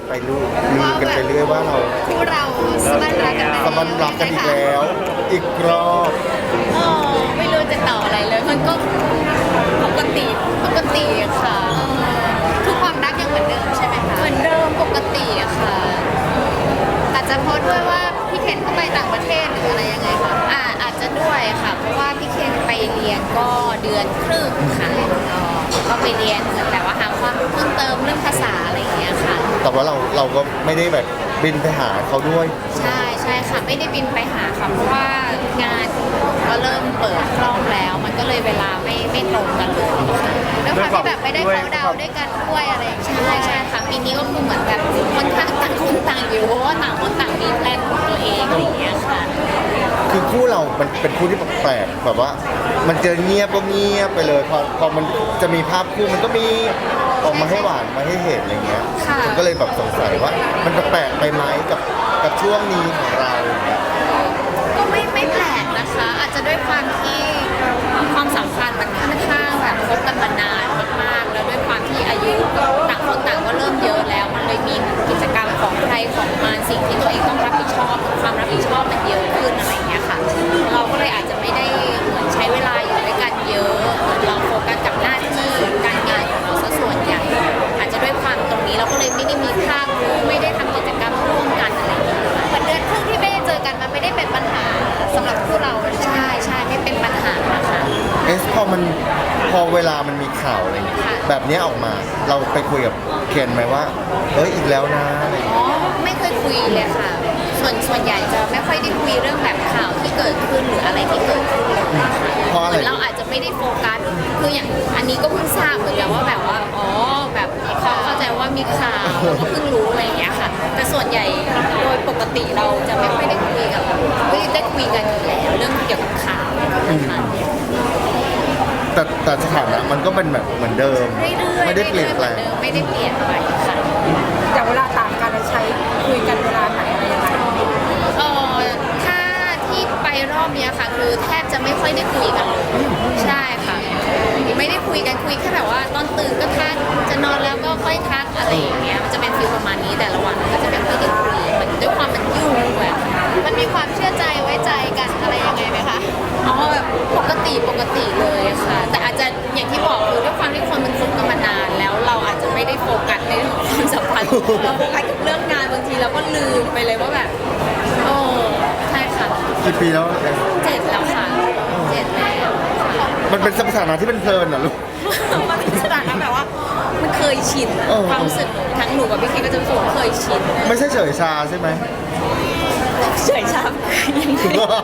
ไปลือกันไปเรื่อยว่าเราคู่เราสบันรักกันสมันรักกันอีกแล้ว อีกรอบไม่รู้จะต่ออะไรเลย มันก็ปกติค่ะคือความรักยังเหมือนเดิมใช่ไหมคะเหมือนเดิมปกติอะค่ะอาจจะเพราะด้วยว่าพี่เคนเขาไปต่างประเทศหรืออะไรยังไงคะอาจจะด้วยค่ะเพราะว่าพี่เคนไปเรียนก็เดือนครึ่งค่ะก็ไปเรียนแต่ว่าหาความรู้เพิ่มเติมเรื่องภาษาอะไรอย่างเงี้ยค่ะแต่ว่าเราก็ไม่ได้แบบบินไปหาเขาด้วยใช่ค่ะไม่ได้บินไปหาค่ะเพราะว่างานก็เริ่มเปิดกล้องแล้ว มันก็เลยเวลาไม่ตรงกันเลยค่ะด้วยความที่แบบไม่ได้เขาดาวด้วยกันด้วยอะไรอย่างเงี้ยใช่ค่ะปีนี้ก็คือเหมือนแบบค่อนข้างต่างคนต่างอยู่เพราะว่าต่างคนต่างมีแพลนของตัวเองอะไรอย่างเงี้ยค่ะคือคู่เรามันเป็นคู่ที่แปลกๆแบบว่า มันเจอเงียบก็เงียบไปเลยพอมันจะมีภาพคู่มันก็มีออกมาให้หวานมาให้เห็นอะไรเงี้ยค่ะมันก็เลยแบบสงสัยว่ามันแปลกไปไหมกับช่วงนี้ของเราอย่างเงี้ยก็ไม่แปลกนะคะ อาจจะด้วยความที่ความสัมพันธ์มันค่อนข้างแบบคบกันมานานมากๆแล้วด้วยความที่อายุต่างคนต่างก็เริ่มเยอะแล้ว มันเลยมีกิจกรรมของใครของมันสิ่งที่ตัวเองต้องรับผิดชอบความรับผิดชอบมันเยอะขึ้นอะไรอย่างเงี้ยค่ะ เราก็เลยอาจจะไม่ได้เหมือนใช้เวลาอยู่ด้วยกันเยอะเหมือนเราโฟกัสกับหน้าที่การงานของเราซะส่วนใหญ่อาจจะด้วยความตรงนี้เราก็เลยไม่ได้มีภาพคู่ไม่ได้ทำกิจกรรมร่วมกันอะไรอย่างเงี้ยเหมือนเดือนครึ่งที่ไม่ได้เจอกันมันไม่ได้เป็นปัญหาสำหรับคู่เราใช่ไม่เป็นปัญหานะคะพอเวลามันมีข่าวอะไรอย่างเงี้ยค่ะแบบเนี้ยออกมาเราไปคุยกับเคนไหมว่าอีกแล้วนะอะไรอย่างอ๋เงี้ยอไม่เคยคุยเลยค่ะ ส่วนใหญ่จะไม่ค่อยได้คุยเรื่องแบบข่าวที่เกิดขึ้นหรืออะไรที่เกิดขึ้นเลยค่ะเพราะอะไรเหมือนเราอาจจะไม่ได้โฟกัสคืออย่างอันนี้ก็เพิ่งทราบเหมือนกันว่าแบบว่าแบบเขาเข้าใจว่ามีข่าวเราก็เพิ่งรู้อะไรอย่างเงี้ยค่ะ แต่ส่วนใหญ่โดยปกติเราจะไม่ค่อยได้คุยกับไม่ได้คุยกันอยู่แล้วเรื่องเกี่ยวกับข่าวนะคะแต่สถานะมันก็เป็นแบบเหมือนเดิมเรื่อยๆไม่ได้เปลี่ยนแปลงไม่ได้เปลี่ยนไปค่ะแต่เวลาต่างกันใช้คุยกันเวลาไหนอะไรยังไงถ้าที่ไปรอบเนี้ยค่ะ คือแทบจะไม่ค่อยได้คุยกันเลยใช่ค่ะ ไม่ได้คุยกันคุยแค่แบบว่าตอนตื่นก็ทักจะนอนแล้วก็ค่อยทักอะไรอย่างเงี้ยมันจะเป็นฟีลประมาณนี้แต่ละวันก็จะไม่ค่อยได้คุยมันด้วยความมันยุ่งแบบมันมีความเชื่อใจไว้ใจกันอะไรยังไงไหมคะแบบปกติเลยค่ะ แต่อาจจะอย่างที่บอกคือด้วยความที่คนมันคบกันมานานแล้วเราอาจจะไม่ได้โฟกัสในเรื่องของความสัมพันธ์เราโฟกัสกับเรื่องงานบางทีเราก็ลืมไปเลยว่าแบบใช่ค่ะกี่ปีแล้ว 7 แล้วค่ะ7แล้วค่ะมันเป็นสถานะที่เป็นเพลินเหรอลูกมันเป็นสถานะแบบว่ามันเคยชินเออความรู้สึกทั้งหนูกับพี่เคก็จะรู้สึกว่าเคยชินไม่ใช่เฉยชาใช่ไหมเฉยช้ำยังไง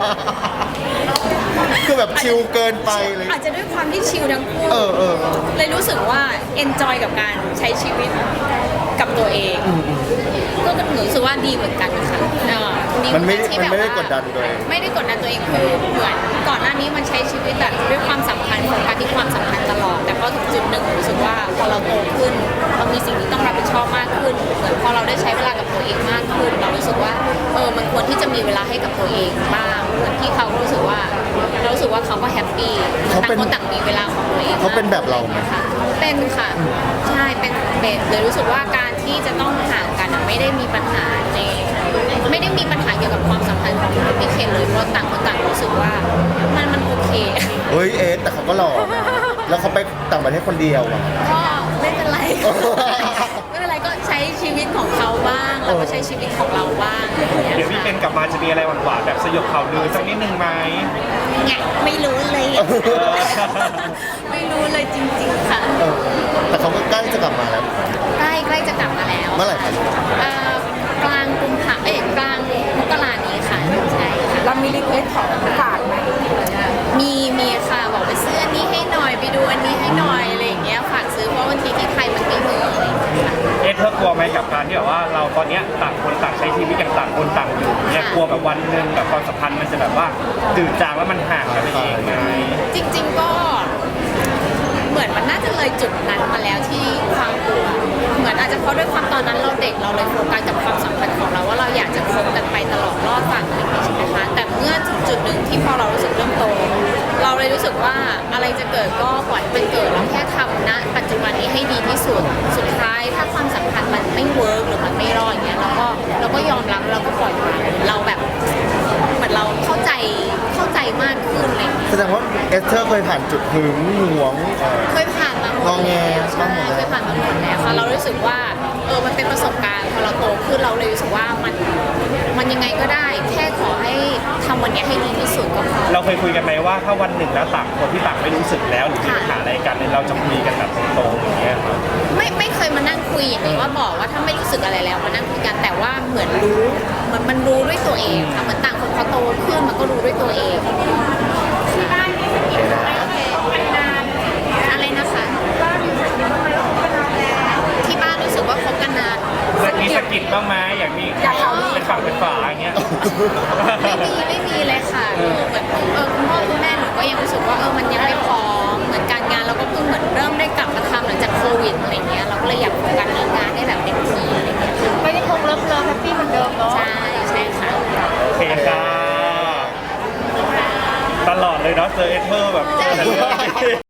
คือแบบชิลเกินไปเลยอาจจะด้วยความที่ชิลทั้งคู่เออเลยรู้สึกว่า enjoy กับการใช้ชีวิตกับตัวเอง ก็หนูรู้สึกว่าดีเหมือนกันค่ะดีเหมันไม่กัที่มันไม่ได้แบบกว่าดดันตัวเองไม่ได้กดดันตัวเองคือเหมือนก่อนหน้านี้มันใช้ชีวิตแบบด้วยความสัมพันธ์โฟกัสที่ความสัมพันธ์ตลอด แต่พอถึงจุดหนึ่งรู้สึกว่าพอเราโตขึ้นเรามีสิ่งที่ต้องรับผิดชอบมากขึ้นเหมือนพอเราได้ใช้เวลากับตัวเองมากขึ้น เรารู้สึกว่ามันควรที่จะมีเวลาให้กับตัวเองบ้างเหมือนที่เขารู้สึกว่าเรารู้สึกว่าเขาก็แฮปปี้เขาต่างเป็นคนต่างมีเวลาของตัวเองเขาเป็นแบบเราไหมค่ะเป็นค่ะใช่เป็นเลยรู้สึกว่าการที่จะต้องห่างกันไม่ได้มีปัญหาไม่ได้มีปัญหาเกี่ยวกับความสัมพันธ์ของพี่เคนเลยเพราะต่างคนต่างรู้สึกว่ามันโอเคเฮ้ยแต่เขาก็หล่อนะแล้วเขาไปต่างประเทศคนเดียวอ่ะก็ไม่เป็นไร ไม่เป็นไรก็ใช้ชีวิตของเขาบ้างเราก็ใช้ชีวิตของเราบ้างอะไรอย่างเดี๋ยวเงี้พี่ยเป็นกลับมาจะมีอะไรหวานๆแบบสยบข่าวลือสักนิดนึงไหมไงไม่รู้เลย ไม่รู้เลยจริงๆค่ะแต่เขาก็ใกล้จะกลับมาแล้วใกล้จะกลับมาแล้วเมื่อไหร่คะกลางกุมภากลางมกรานี้ค่ะใช่ค่ะเรามีรีเควสของฝากไหมมีค่ะบอกไปซื้ออันนี้ให้หน่อยไปดูอันนี้ให้หน่อยอะไรอย่างเงี้ยฝากซื้อเพราะบางทีที่ไทยมันไม่มีอะไรอย่างเงี้ยค่ะเธอกลัวไหมกับการที่แบบว่าเราตอนเนี้ยต่างคนต่างใช้ชีวิตอย่างต่างคนต่างอยู่เนี่ยกลัวแบบวันหนึ่งแบบความสัมพันธ์มันจะแบบว่าจืดจางแล้วมันห่างกันไปเองไงจริงๆก็เหมือนมันน่าจะเลยจุดนั้นมาแล้วที่ความกลัวเหมือนอาจจะเพราะด้วยความตอนนั้นเราเด็กเราเลยโฟกัสกับความสัมพันธ์ของเราว่าเราอยากจะคบกันไปตลอดรอดฝั่งอะไรอย่างเงี้ยใช่ไหมคะแต่เมื่อจุดหนึ่งที่พอเรารู้สึกเริ่มโต เราเลยรู้สึกว่าอะไรจะเกิดก็ปล่อยมันเกิดเราแค่ทำณปัจจุบันนี้ให้ดีที่สุดสุดท้ายถ้าความสัมพันธ์มันไม่เวิร์กหรือมันไม่รก็ยอมรับแล้วเราก็ปล่อยวางเราแบบเหมือนเราเข้าใจมากขึ้นอะไรอย่างเงี้ยแสดงว่าเอสเธอร์เคยผ่านจุดหึงหวงเคยผ่านมาหมดงอแงใช่บ้างหมดแล้วเคยผ่านมาหมดแล้วค่ะเรารู้สึกว่ามันเป็นประสบการณ์พอเราโตขึ้นเราเลยรู้สึกว่ามันยังไงก็ได้ แค่ขอให้ทำวันนี้ให้ดีที่สุดก็พอเราเคยคุยกันไหมว่าถ้าวันหนึ่งแล้วต่างคนที่ต่างไม่รู้สึกแล้วหรือมีปัญหาอะไรกันเนี่ยเราจะคุยกันแบบตรงๆอย่างเงี้ยครับไม่เคยมานั่งคุยอย่างนี้ว่าบอกว่าถ้าไม่รู้สึกอะไรแล้วมานั่งคุยกันแต่ว่าเหมือนมันรู้ด้วยตัวเองค่ะเหมือนต่างคนเขาโตขึ้นมันก็รู้ด้วยตัวเองที่บ้านนี่สนิทไหมนานอะไรนะคะที่บ้านรู้สึกว่าคบกันนานมีสะกิดบ้างไหมอย่างนี้เป็นฝั่งเป็นฝาอย่างเงี้ยไม่มีเลยค่ะเหมือนคุณพ่อคุณแม่หนูก็ยังรู้สึกว่ามันยังไม่พร้อมเหมือนการงานเราก็เพิ่งเหมือนเริ่มได้กลับมาทำหลังจากโควิดอะไรเงี้ยเราก็เลยอยากโฟกัสเรื่องงานให้แบบเต็มที่อะไรเงี้ยไม่ได้คงเลิฟแฮปปี้เหมือนเดิมเนาะใช่ค่ะโอเคค่ะตลอดเลยเนาะเจอเอเธอร์แบบ